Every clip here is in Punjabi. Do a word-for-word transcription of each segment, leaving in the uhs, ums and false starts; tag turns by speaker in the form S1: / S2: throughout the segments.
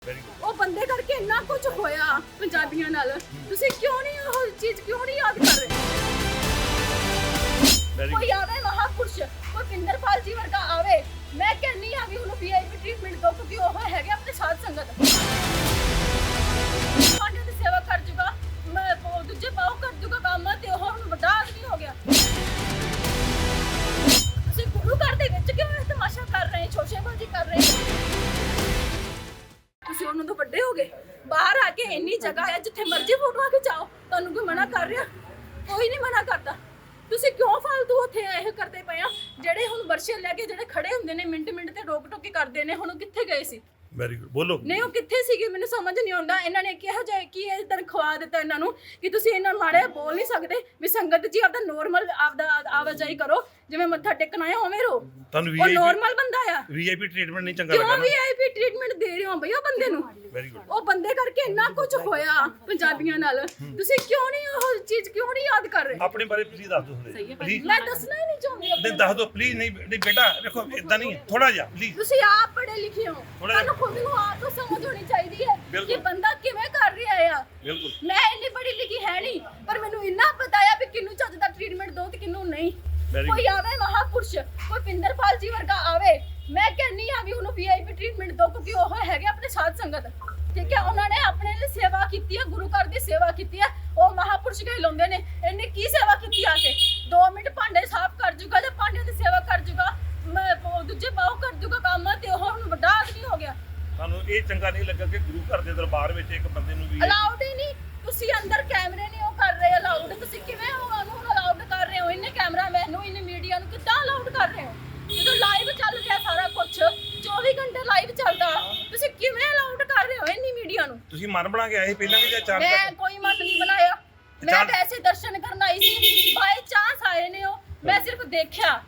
S1: ਉਹ ਬੰਦੇ ਕਰਕੇ ਇੰਨਾ ਕੁਝ ਹੋਇਆ ਪੰਜਾਬੀਆਂ ਨਾਲ, ਤੁਸੀਂ ਕਿਉਂ ਨਹੀਂ ਉਹ ਚੀਜ਼ ਕਿਉਂ ਨਹੀਂ ਯਾਦ ਕਰ ਰਹੇ? ਕੋਈ ਆਵੇ ਮਹਾਪੁਰਸ਼, ਕੋਈ ਪਿੰਦਰਪਾਲ ਜੀ ਵਰਗਾ ਆਵੇ, ਮੈਂ ਕਹਿੰਨੀ ਆ ਵੀ ਉਹਨੂੰ ਵੀਆਈਪੀ ਟ੍ਰੀਟਮੈਂਟ ਦੋ, ਕਿਉਂਕਿ ਉਹ ਹੈਗੇ ਆਪਣੇ ਸਾਧ ਸੰਗਤ। ਪਾਂਡਿਆਂ ਦੀ ਸੇਵਾ ਕਰ ਜੂਗਾ, ਮੈਂ ਉਹ ਦੂਜੇ ਬਾਹੂ ਕਰ ਜੂਗਾ ਕੰਮ, ਤੇ ਉਹ ਹੁਣ ਵੱਡਾ ਆਦਮੀ ਹੋ ਗਿਆ। ਤੁਸੀਂ ਗੁਰੂ ਘਰ ਦੇ ਵਿੱਚ ਕਿਉਂ ਇਹ ਤਮਾਸ਼ਾ ਕਰ ਰਹੇ, ਸ਼ੋਸ਼ੇਬਾਜ਼ੀ ਕਰ ਰਹੇ? ਤੁਸੀਂ ਉਹਨਾਂ ਤੋਂ ਵੱਡੇ ਹੋ ਗਏ, ਬਾਹਰ ਆ ਕੇ ਇੰਨੀ ਜਗ੍ਹਾ ਹੈ ਜਿੱਥੇ ਮਰਜ਼ੀ ਫੋਟੋਆਂ ਖਿਚਾਓ, ਤੁਹਾਨੂੰ ਕੋਈ ਮਨਾ ਕਰ ਰਿਹਾ? ਕੋਈ ਨਹੀਂ ਮਨਾ ਕਰਦਾ। ਤੁਸੀਂ ਕਿਉਂ ਫालतू ਉੱਥੇ ਇਹ ਕਰਦੇ ਪਏ ਆ? ਜਿਹੜੇ ਹੁਣ ਵਰਸ਼ੇ ਲੈ ਕੇ ਜਿਹੜੇ ਖੜੇ ਹੁੰਦੇ ਨੇ ਮਿੰਟ ਮਿੰਟ ਤੇ ਰੋਕ ਟੋਕੀ ਕਰਦੇ ਨੇ, ਹੁਣ ਉਹ ਕਿੱਥੇ ਗਏ ਸੀ?
S2: ਵੈਰੀ ਗੁੱਡ, ਬੋਲੋ।
S1: ਨਹੀਂ, ਉਹ ਕਿੱਥੇ ਸੀਗੇ ਮੈਨੂੰ ਸਮਝ ਨਹੀਂ ਆਉਂਦਾ। ਇਹਨਾਂ ਨੇ ਕਿਹਾ ਜਾਏ ਕਿ ਇਹ ਤਨਖਾਹ ਦਿੱਤਾ ਇਹਨਾਂ ਨੂੰ ਕਿ ਤੁਸੀਂ ਇਹਨਾਂ ਮਾੜੇ ਬੋਲ ਨਹੀਂ ਸਕਦੇ, ਵੀ ਸੰਗਤ ਜੀ ਆਪਦਾ ਨੋਰਮਲ ਆਪਦਾ ਆਵਾਜਾਈ ਕਰੋ, ਜਿਵੇਂ ਮੱਥਾ ਟੇਕਣਾ ਹੈ ਉਵੇਂ ਰੋ।
S2: ਤੁਹਾਨੂੰ
S1: ਉਹ ਨੋਰਮਲ ਬੰਦਾ ਆ,
S2: ਵੀਆਈਪੀ ਟ੍ਰੀਟਮੈਂਟ ਨਹੀਂ ਚੰਗਾ
S1: ਕਿਉਂ
S2: ਲੱਗਾ ਨਾ?
S1: ਵੀਆਈਪੀ ਟ੍ਰੀਟਮੈਂਟ ਦੇ ਰਹੇ ਹੋ ਬਈ ਉਹ ਬੰਦੇ ਨੂੰ?
S2: Very good.
S1: ਉਹ ਬੰਦੇ ਕਰਕੇ ਇੰਨਾ ਕੁਝ ਹੋਇਆ ਪੰਜਾਬੀਆਂ ਨਾਲ, ਤੁਸੀਂ ਕਿਉਂ ਨਹੀਂ ਉਹ ਚੀਜ਼ ਕਿਉਂ ਨਹੀਂ ਯਾਦ ਕਰ ਰਹੇ?
S2: ਆਪਣੇ ਬਾਰੇ ਪਲੀਜ਼ ਦੱਸ ਦਿਓ ਹੁੰਦੇ ਪਲੀਜ਼।
S1: ਮੈਂ ਦੱਸਣਾ ਹੀ ਨਹੀਂ ਚਾਹੁੰਦੀ
S2: ਨਹੀਂ
S1: ਆਪਣੇ
S2: ਦੱਸ ਦਿਓ ਪਲੀਜ਼। ਨਹੀਂ ਨਹੀਂ ਬੇਟਾ ਦੇਖੋ ਇਦਾਂ ਨਹੀਂ, ਥੋੜਾ ਜਿਹਾ ਪਲੀਜ਼।
S1: ਤੁਸੀਂ ਆਪ ਪੜ੍ਹੇ ਲਿਖੇ ਹੋ,
S2: ਥੋੜ੍ਹਾ ਜਿਹਾ।
S1: ਤੁਹਾਨੂੰ ਖੁਦ ਨੂੰ ਆਪ ਤੋਂ ਸਮਝ ਹੋਣੀ ਚਾਹੀਦੀ ਹੈ ਕਿ
S2: ਬਿਲਕੁਲ।
S1: ਬੰਦਾ ਕਿਵੇਂ ਕਰ ਰਿਹਾ ਆ।
S2: ਬਿਲਕੁਲ।
S1: ਮੈਂ ਇੰਨੀ ਪੜ੍ਹੀ ਲਿਖੀ ਹੈ ਨਹੀਂ, ਪਰ ਮੈਨੂੰ ਇੰਨਾ ਪਤਾ ਆ ਵੀ ਕਿਹਨੂੰ ਚੱਜ ਦਾ ਟ੍ਰੀਟਮੈਂਟ ਦੋ ਤੇ ਕਿਹਨੂੰ ਨਹੀਂ।
S2: Very
S1: ਕੋਈ ਆਵੇ ਮਹਾਪੁਰਸ਼, ਕੋਈ ਪਿੰਦਰਪਾਲ ਜੀ ਵਰਗਾ ਆਵੇ, ਮੈਂ ਕਹਿੰਨੀ ਆ ਵੀ ਉਹਨੂੰ ਵੀਆਈਪੀ ਟ੍ਰੀਟਮੈਂਟ ਦੋ, ਕਿਉਂਕਿ ਉਹ ਹੈਗੇ ਆਪਣੇ ਸਾਧ ਸੰਗਤ। ਠੀਕ ਹੈ, ਉਹਨਾਂ ਨੇ ਆਪਣੇ ਲਈ ਸੇਵਾ ਕੀਤੀ ਹੈ, ਗੁਰੂ ਘਰ ਦੀ ਸੇਵਾ ਕੀਤੀ ਹੈ, ਉਹ ਮਹਾਪੁਰਸ਼ ਕਹਿਲਾਉਂਦੇ ਨੇ। ਇਹਨੇ ਕੀ ਸੇਵਾ ਕੀਤੀ ਆ ਕੇ? ਦੋ ਮਿੰਟ ਭਾਂਡੇ ਸਾਫ਼ ਕਰ ਜੂਗਾ, ਤੇ ਭਾਂਡਿਆਂ ਦੀ ਸੇਵਾ ਕਰ ਜੂਗਾ, ਮੈਂ ਉਹ ਦੂਜੇ ਬਾਹੂ ਕਰ ਜੂਗਾ ਕੰਮ, ਤੇ ਉਹ ਹੁਣ ਵੱਡਾ ਆਦਮੀ ਹੋ ਗਿਆ।
S2: ਤੁਹਾਨੂੰ ਇਹ ਚੰਗਾ ਨਹੀਂ ਲੱਗਾ ਕਿ ਗੁਰੂ ਘਰ ਦੇ ਦਰਬਾਰ ਵਿੱਚ ਇੱਕ ਬੰਦੇ ਨੂੰ ਵੀ
S1: ਅਲਾਉਡ ਹੀ ਨਹੀਂ? ਤੁਸੀਂ ਅੰਦਰ ਕੈਮਰੇ ਨਹੀਂ ਉਹ ਕਰ ਰਹੇ ਅਲਾਉਡ, ਤੁਸੀਂ ਕਿਵੇਂ ਉਹਨੂੰ ਅਲਾਉਡ ਕਰ ਰਹੇ ਹੋ? ਇਹਨੇ ਕੈਮਰਾਮੈਨ ਨੂੰ, ਇਹਨੇ ਮੀਡੀਆ ਨੂੰ ਕਿੱਦਾਂ ਅਲਾਉਡ ਕਰ ਰਹੇ ਹੋ? ਜਦੋਂ ਲਾਈਵ ਚੱਲ ਰਿਹਾ ਸਾਰਾ ਕੁਝ, ਚੌਵੀ ਘੰਟੇ ਲਾਈਵ ਚੱਲਦਾ, ਤੁਸੀਂ ਕਿਵੇਂ ਅਲਾਉਡ ਕਰ ਰਹੇ ਹੋ ਇੰਨੀ ਮੀਡੀਆ ਨੂੰ?
S2: ਤੁਸੀਂ ਮਨ ਬਣਾ ਕੇ ਆਏ ਪਹਿਲਾਂ ਵੀ ਜਾਂ ਚਾਰ
S1: ਮੈਂ ਕੋਈ ਮਤ ਨਹੀਂ ਬਣਾਇਆ, ਮੈਂ ਵੈਸੇ ਦਰਸ਼ਨ ਕਰਨ ਆਈ ਸੀ, ਬਾਈ ਚਾਂਸ ਆਏ ਨੇ ਉਹ, ਮੈਂ ਸਿਰਫ ਦੇਖਿਆ।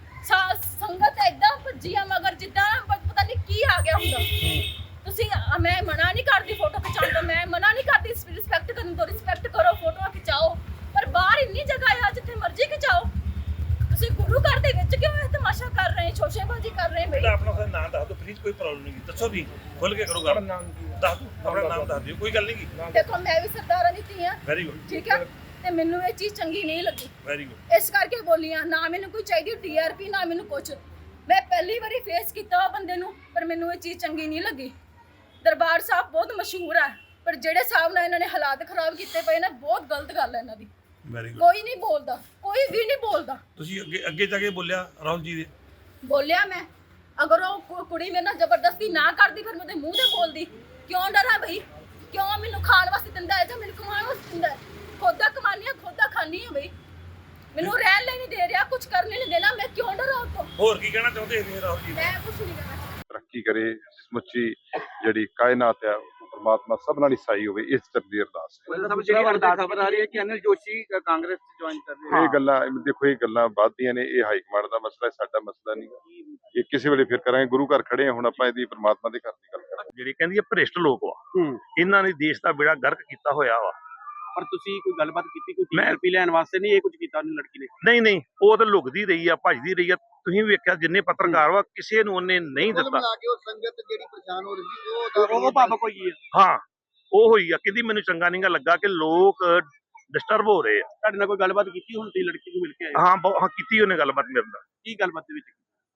S1: ਸੰਗਤ ਏਦਾਂ ਭੱਜੀਆਂ ਮਗਰ ਜਿੱਦਾਂ ਪਤਾ ਨਹੀਂ ਕੀ ਆ ਗਿਆ ਹੁੰਦਾ। ਤੁਸੀਂ ਮੈਂ ਮਨਾ ਨਹੀਂ ਕਰਦੀ ਫੋਟੋ ਖਿਚਾਉਣ ਤੋਂ, ਮੈਂ ਮਨਾ ਨਹੀਂ ਕਰਦੀ ਰਿਸਪੈਕਟ ਕਰਨ ਤੋਂ, ਰਿਸਪੈਕਟ ਕਰੋ, ਫੋਟੋਆਂ ਖਿਚਾਓ, ਪਰ ਬਾਹਰ ਇੰਨੀ ਜਗ੍ਹਾ ਆ ਜਿੱਥੇ ਮਰਜ਼ੀ ਖਿਚਾਓ। ਤੁਸੀਂ ਗੁਰੂ ਘਰ ਦੇ ਵਿੱਚ ਕਿਉਂ ਇਹ ਤਮਾਸ਼ਾ ਕਰ ਰਹੇ, ਸ਼ੋਸ਼ੇਬਾਜ਼ੀ ਕਰ ਰਹੇ ਬਈ?
S2: ਆਪਣਾ ਆਪਣਾ ਨਾਮ ਦੱਸ ਦਿਓ ਪਲੀਜ਼, ਕੋਈ ਪ੍ਰੋਬਲਮ ਨਹੀਂ। ਦੱਸੋ ਵੀ ਖੁੱਲ ਕੇ ਕਰੋ ਗੱਲ, ਦੱਸ ਦਿਓ ਆਪਣਾ ਨਾਮ ਦੱਸ ਦਿਓ, ਕੋਈ ਗੱਲ ਨਹੀਂ।
S1: ਦੇਖੋ ਮੈਂ ਵੀ ਸਰਦਾਰਾਂ ਦੀ ਧੀ ਆ,
S2: ਵੈਰੀ ਗੁੱਡ।
S1: ਠੀਕ ਹੈ, ਤੇ ਮੈਨੂੰ ਇਹ ਚੀਜ਼ ਚੰਗੀ ਨਹੀਂ ਲੱਗੀ,
S2: ਵੈਰੀ ਗੁੱਡ।
S1: ਇਸ ਕਰਕੇ ਬੋਲੀਆਂ। ਨਾ ਮੈਨੂੰ ਕੋਈ ਚਾਹੀਦੀ ਟੀਆਰਪੀ, ਨਾ ਮੈਨੂੰ ਕੁਝ। ਮੈਂ ਪਹਿਲੀ ਵਾਰੀ ਫੇਸ ਕੀਤਾ ਉਹ ਬੰਦੇ ਨੂੰ, ਪਰ ਮੈਨੂੰ ਇਹ ਚੀਜ਼ ਚੰਗੀ ਨਹੀਂ ਲੱਗੀ। ਦਰਬਾਰ ਸਾਹਿਬ ਬਹੁਤ ਮਸ਼ਹੂਰ ਹੈ, ਪਰ ਜਿਹੜੇ ਹਿਸਾਬ ਨਾਲ ਇਹਨਾਂ ਨੇ ਹਾਲਾਤ ਖਰਾਬ ਕੀਤੇ ਪਏ ਨੇ, ਬਹੁਤ ਗਲਤ ਗੱਲ ਹੈ ਇਹਨਾਂ ਦੀ।
S2: Very good.
S1: ਕੋਈ ਨਹੀਂ ਬੋਲਦਾ, ਕੋਈ ਵੀ ਨਹੀਂ ਬੋਲਦਾ।
S2: ਤੁਸੀਂ ਅੱਗੇ ਅੱਗੇ ਜਾ ਕੇ ਬੋਲਿਆ ਰਾਹੁਲ ਜੀ ਦੇ?
S1: ਬੋਲਿਆ ਮੈਂ। ਅਗਰ ਉਹ ਕੁ- ਕੁੜੀ ਮੇਰੇ ਨਾਲ ਜ਼ਬਰਦਸਤੀ ਨਾ ਕਰਦੀ, ਫਿਰ ਮੈਂ ਉਹਦੇ ਮੂੰਹ ਤੇ ਬੋਲਦੀ। ਕਿਉਂ ਡਰਾਂ ਬਈ? ਕਿਉਂ ਮੈਨੂੰ ਖਾਣ ਵਾਸਤੇ ਦਿੰਦਾ ਹੈ ਜਾਂ ਮੈਨੂੰ ਕਮਾਉਣ ਵਾਸਤੇ ਦਿੰਦਾ ਹੈ? ਖੁਦ ਦਾ ਕਮਾਨੀ ਆ, ਖੁਦ ਦਾ ਖਾਨੀ ਆ ਬਈ। ਮੈਨੂੰ ਰਹਿਣ ਲਈ ਨਹੀਂ ਦੇ ਰਿਹਾ, ਕੁਝ ਕਰਨ ਲਈ ਨਹੀਂ ਦੇਣਾ, ਮੈਂ ਕਿਉਂ ਡਰਾਂ ਉਹ ਤੋਂ?
S2: ਹੋਰ ਕੀ ਕਹਿਣਾ ਚਾਹੁੰਦੇ ਨੇ ਰਾਹੁਲ ਜੀ?
S1: ਮੈਂ ਕੁਝ ਨਹੀਂ ਕਹਿਣਾ।
S3: ਤਰੱਕੀ ਕਰੇ, ਸਮੁੱਚੀ ਜਿਹੜੀ ਕਾਇਨਾਤ ਹੈ ਪਰਮਾਤਮਾ ਸਭ ਨਾਲ ਹੀ ਸਾਈ ਹੋਵੇ, ਇਸ ਤਰ੍ਹਾਂ ਅਰਦਾਸ ਹੈ।
S4: ਸਭ ਜਿਹੜੀ ਅਰਦਾਸ ਖਬਰ ਆ ਰਹੀ ਹੈ ਕਿ ਅਨਿਲ ਜੋਸ਼ੀ ਕਾਂਗਰਸ ਚ ਜੁਆਇਨ ਕਰ ਰਹੇ
S3: ਇਹ ਗੱਲਾਂ ਦੇਖੋ, ਇਹ ਗੱਲਾਂ ਵੱਧਦੀਆਂ ਨੇ, ਇਹ ਹਾਈ ਕਮਾਂਡ ਦਾ ਮਸਲਾ ਹੈ, ਸਾਡਾ ਮਸਲਾ ਨਹੀਂ। ਇਹ ਕਿਸੇ ਵੇਲੇ ਫਿਰ ਕਰਾਂਗੇ, ਗੁਰੂ ਘਰ ਖੜੇ ਹਾਂ ਹੁਣ ਆਪਾਂ, ਇਹਦੀ ਪਰਮਾਤਮਾ ਦੇ ਘਰ ਦੀ ਗੱਲ ਕਰਾਂਗੇ।
S2: ਜਿਹੜੀ ਕਹਿੰਦੀ ਹੈ ਭ੍ਰਿਸ਼ਟ ਲੋਕ ਵਾ, ਇਹਨਾਂ ਨੇ ਦੇਸ਼ ਦਾ ਬੇੜਾ ਗਰਕ ਕੀਤਾ ਹੋਇਆ ਵਾ।
S4: ਪਰ ਤੁਸੀਂ ਕੋਈ ਗੱਲਬਾਤ ਕੀਤੀ, ਕੋਈ
S2: ਮੈਂ-
S4: ਟੀਆਰਪੀ ਲੈਣ ਵਾਸਤੇ ਨਹੀਂ ਇਹ ਕੁਝ ਕੀਤਾ ਉਹਨੇ ਲੜਕੀ ਨੇ?
S2: ਨਹੀਂ ਨਹੀਂ, ਉਹ ਤਾਂ ਲੁਕਦੀ ਰਹੀ ਆ, ਭੱਜਦੀ ਰਹੀ ਆ। ਤੁਸੀਂ ਵੇਖਿਆ ਜਿੰਨੇ ਪੱਤਰਕਾਰ ਵਾ, ਕਿਸੇ ਨੂੰ ਉਹਨੇ ਨਹੀਂ ਦਿੱਤਾ।
S5: ਉਹ ਸੰਗਤ ਜਿਹੜੀ ਪਰੇਸ਼ਾਨ ਹੋ ਰਹੀ ਸੀ, ਉਹ
S4: ਉਹ ਭਾਵਕ ਹੋਈ ਹੈ।
S2: ਹਾਂ, ਉਹ ਹੋਈ ਆ। ਕਹਿੰਦੀ ਮੈਨੂੰ ਚੰਗਾ ਨਹੀਂਗਾ ਲੱਗਾ ਕਿ ਲੋਕ ਡਿਸਟਰਬ ਹੋ ਰਹੇ ਆ।
S4: ਤੁਹਾਡੇ ਨਾਲ ਕੋਈ ਗੱਲਬਾਤ ਕੀਤੀ ਹੁਣ ਤੁਸੀਂ ਲੜਕੀ ਨੂੰ ਮਿਲ ਕੇ ਆਏ?
S2: ਹਾਂ ਬਹੁ- ਹਾਂ ਕੀਤੀ ਉਹਨੇ ਗੱਲਬਾਤ ਮੇਰੇ ਨਾਲ।
S4: ਕੀ ਗੱਲਬਾਤ ਦੇ ਵਿੱਚ?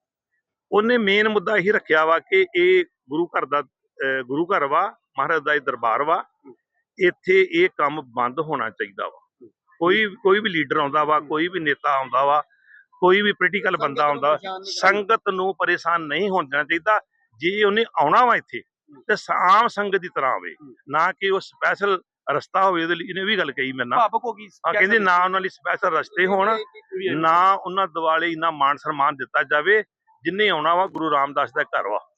S2: ਉਹਨੇ ਮੇਨ ਮੁੱਦਾ ਇਹੀ ਰੱਖਿਆ ਵਾ ਕਿ ਇਹ ਗੁਰੂ ਘਰ ਦਾ ਅਹ ਗੁਰੂ ਘਰ ਵਾ, ਮਹਾਰਾਜ ਦਾ ਇਹ ਦਰਬਾਰ ਵਾ, ਇੱਥੇ ਇਹ ਕੰਮ ਬੰਦ ਹੋਣਾ ਚਾਹੀਦਾ ਵਾ। ਕੋਈ ਕੋਈ ਵੀ ਲੀਡਰ ਆਉਂਦਾ ਵਾ, ਕੋਈ ਵੀ ਨੇਤਾ ਆਉਂਦਾ ਵਾ, ਕੋਈ ਵੀ ਪੋਲੀਟੀਕਲ ਬੰਦਾ ਆਉਂਦਾ, ਸੰਗਤ ਨੂੰ ਪਰੇਸ਼ਾਨ ਨਹੀਂ ਹੋਣਾ ਚਾਹੀਦਾ। ਜੇ ਉਹਨੇ ਆਉਣਾ ਵਾ ਇੱਥੇ ਤੇ ਆਮ ਸੰਗਤ ਦੀ ਤਰ੍ਹਾਂ ਆਵੇ, ਨਾ ਕਿ ਉਹ ਸਪੈਸ਼ਲ ਰਸਤਾ ਹੋਵੇ। ਉਹਦੇ ਲਈ ਇਹਨੇ ਵੀ ਗੱਲ ਕਹੀ ਮੇਰੇ ਨਾਲ।
S4: ਭਾਵਕ ਹੋ ਗਈ।
S2: ਹਾਂ, ਕਹਿੰਦੇ ਨਾ ਉਹਨਾਂ ਲਈ ਸਪੈਸ਼ਲ ਰਸਤੇ ਹੋਣ, ਨਾ ਉਹਨਾਂ ਦਿਵਾਲੇ ਇੰਨਾ ਮਾਣ ਸਨਮਾਨ ਦਿੱਤਾ ਜਾਵੇ। ਜਿੰਨੇ ਆਉਣਾ ਵਾ ਗੁਰੂ ਰਾਮਦਾਸ ਦਾ ਘਰ ਵਾ।